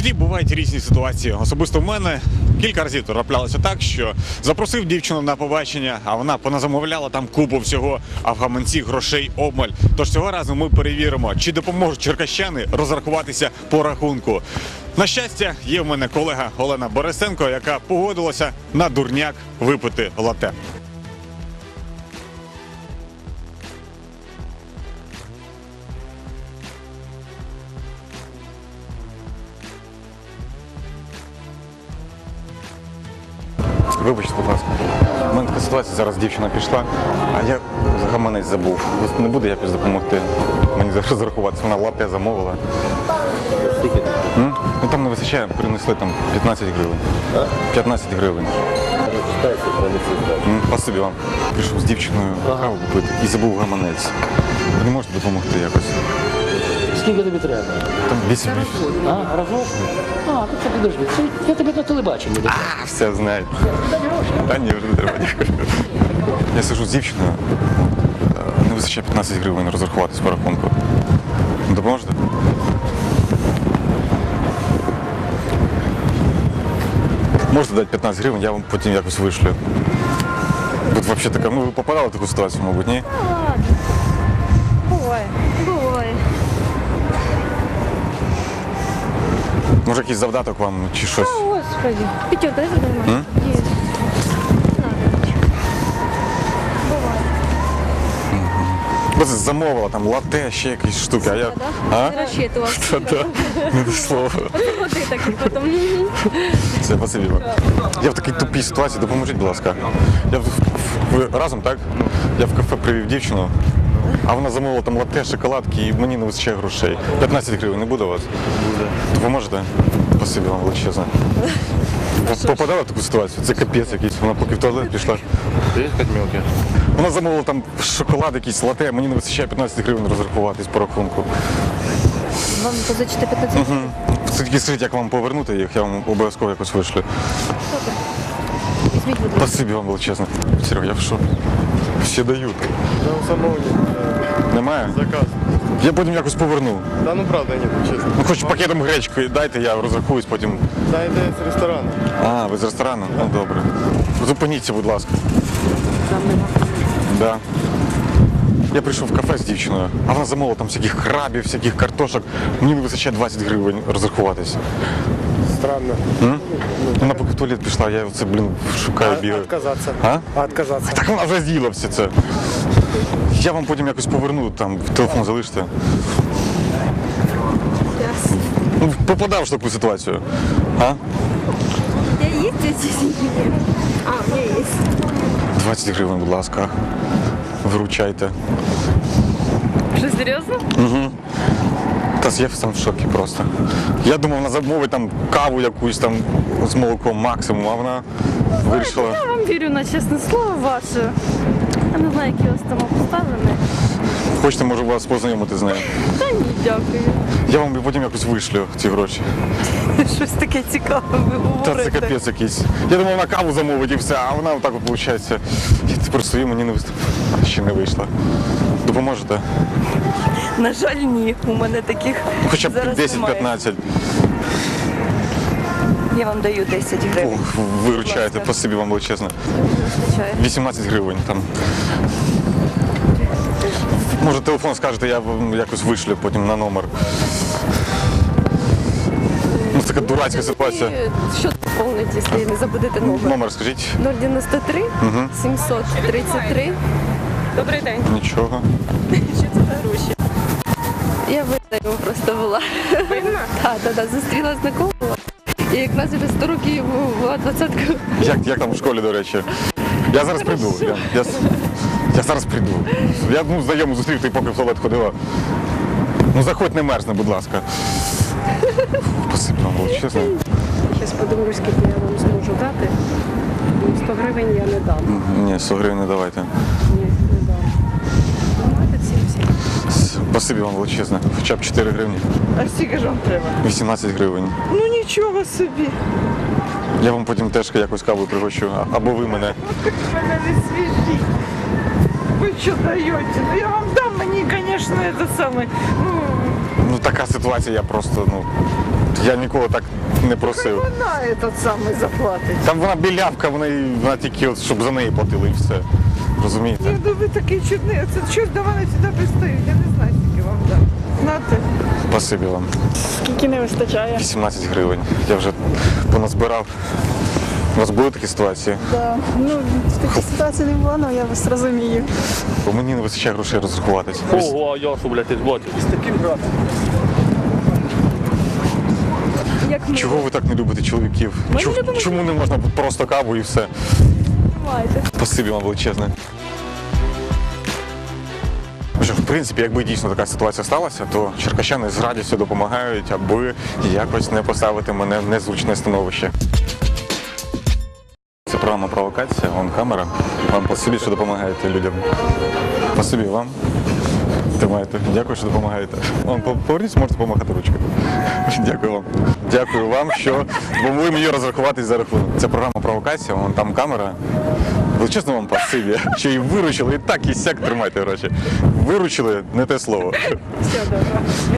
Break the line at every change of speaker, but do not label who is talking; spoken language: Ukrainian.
житті бувають різні ситуації. Особисто в мене кілька разів траплялося так, що запросив дівчину на побачення, а вона поназамовляла там купу всього, а в гаманці грошей обмаль. Тож цього разу ми перевіримо, чи допоможуть черкащани розрахуватися по рахунку. На щастя, є в мене колега Олена Борисенко, яка погодилася на дурняк випити лате. Вибачте, будь ласка. У мене така ситуація, зараз дівчина пішла, а я гаманець забув. Не буде якось допомогти мені розрахуватися. Вона лате замовила.
Скільки?
Ну там не вистачає, принесли там 15 гривень. 15 гривень.
Читайте, принесли.
Спасибі вам. Прийшов з дівчиною каву купити і забув гаманець. Ви не можете допомогти якось?
Скільки тобі треба?
Там 8
А, разок? А, то це підожди. Я тебе на телебаченні.
все знаю. Та ні, вже не треба. Я сижу з дівчиною, не вистачає 15 гривень розрахуватись по рахунку. Допоможете? Можете дати 15 гривень, я вам потім якось вишлю. Тут взагалі така, ну ви попадали в таку ситуацію, мабуть, ні?
Буває. Буває.
Може якийсь завдаток вам чи щось?
О, Господи. Пятерка, это нормально. Есть.
Ви замовила там лате, ще якісь штуки, а я... А?
Не рассчитывал.
Та-та, не до слова.
Вот ты так потом.
Все, спасибі вам. Я в такій тупій ситуації, допоможіть, будь ласка. Ви разом, так? Я в кафе привів дівчину, а вона замовила там лате, шоколадки і мені не вистачає грошей. 15 гривень не буде у вас? Буде. Допоможете? Спасибі вам величезне. Попадала в таку ситуацію? Це капець якийсь. Вона поки в туалет пішла.
Приїхати мілки.
Вона замовила там шоколад якийсь, лате, мені не вистачає 15 гривень розрахуватись по рахунку.
Вам позичити 15 гривень?
Тільки скажіть, як вам повернути їх, я вам обов'язково якось вишлю.
Супер. Візьміть, будь ласка.
Спасибі вам величезне. Серега, я в шокі. Всі дають.
Там самого
Немає?
заказ.
Я потім якось поверну.
Да ну правда нет, честно.
Ну хоч пакетом гречки дайте, я розрахуюсь потім.
Да, йде з ресторану.
А, ви з ресторану? Ну добре. Зупиніться, будь ласка. Да. Я прийшов в кафе з дівчиною, а вона замовила там всяких крабів, всяких картошок. Мені не вистачає 20 гривень розрахуватись.
Странно.
Вона поки в туалет пішла, я це, шукаю, бігаю.
Отказаться.
А?
Отказаться.
Так вона вже з'їла все це. Я вам потім якось поверну, там телефон залиште. Ну, попадав в таку ситуацію. А?
Я есть здесь? А, у меня есть.
20 гривень, будь ласка. Виручайте.
Что, серьезно?
Та я сам в шокі просто. Я думав, вона замовить там каву якусь там з молоком максимум, а вона вирішила.
Я вам вірю на чесне слово ваше. Я не знаю, які у вас там обставини.
Хочете, можу вас познайомити з нею.
Та ні, дякую.
Я вам потім якось вишлю ці гроші.
Щось таке цікаве ви
Та це
говорите.
капець якийсь. Я думав, вона каву замовить і все, а вона отак от виходить. Я тепер стою, мені не ще не вийшло. Допоможете?
На жаль, ні. У мене таких
Ну, хоча б
зараз немає.
10-15.
Я вам даю 10 гривень.
Виручаєте, спасибі вам величезне.
Вистачає.
18 гривень там. Може телефон скажете, я вам якось вишлю потім на номер. Ну, це така дурацька ситуація.
І що доповнить, якщо не забудете номер?
Номер скажіть.
093 733.
Добрий день.
Нічого.
Що це за гроші?
Я видаю просто була. Так, зустріла знакомого. І як нас вже 100 років була 20-ка.
Як там в школі, до речі? Я зараз прийду. Я зараз прийду. Я знайому зустрів, ти поки в туалет ходила. Ну заходь, не мерзне, будь ласка. Спасибі вам величезне.
Зараз подивлюсь, скільки я вам зможу дати. Ну, 100 гривень я не дам.
Ні, 100 гривень не давайте.
Ні, не дам. Давайте 70.
Спасибі вам величезне. Хоча б 4 гривні.
А скільки ж вам треба?
18 гривень.
Ну нічого собі.
Я вам потім теж якось каву пригощу. Або ви мене.
Мене не свіжі. Ви що даєте? Ну я вам дам, мені, звісно, це саме.
Ну така ситуація, я просто, Я нікого так не просив.
Вона этот самий заплатить.
Там вона білявка, вона тільки, от, щоб за неї платили і все. Розумієте?
Ні, ну ви такий чудний. Це чого ж до мене сюди пристають? Я не знаю, скільки вам дам. Знати.
Спасибі вам.
Скільки не вистачає?
18 гривень. Я вже поназбирав. У вас були такі ситуації?
Да. Ну, в такій ситуації не було, але я вас розумію.
Бо мені не вистачає грошей розрахуватись.
Ого, Йосу, блядь, ти зботів.
Чого ви так не любите чоловіків? Чому не можна просто каву і все? Спасибі вам величезне. Що, в принципі, якби дійсно така ситуація сталася, то черкащани з радістю допомагають, аби якось не поставити мене в незручне становище. Це програма «Провокація», вон камера. Вам спасибі, що допомагаєте людям. Спасибі вам. Тримайте. Дякую, що допомагаєте. Вон, поверніться, можете допомагати ручкою. Дякую вам. Дякую вам, що допомогли мені розрахуватись за рахунок. Це програма «Провокація», вон там камера. Величезно вам спасибі, що і виручили, і так, і сяк тримайте гроші. Виручили, не те слово.
Все добре.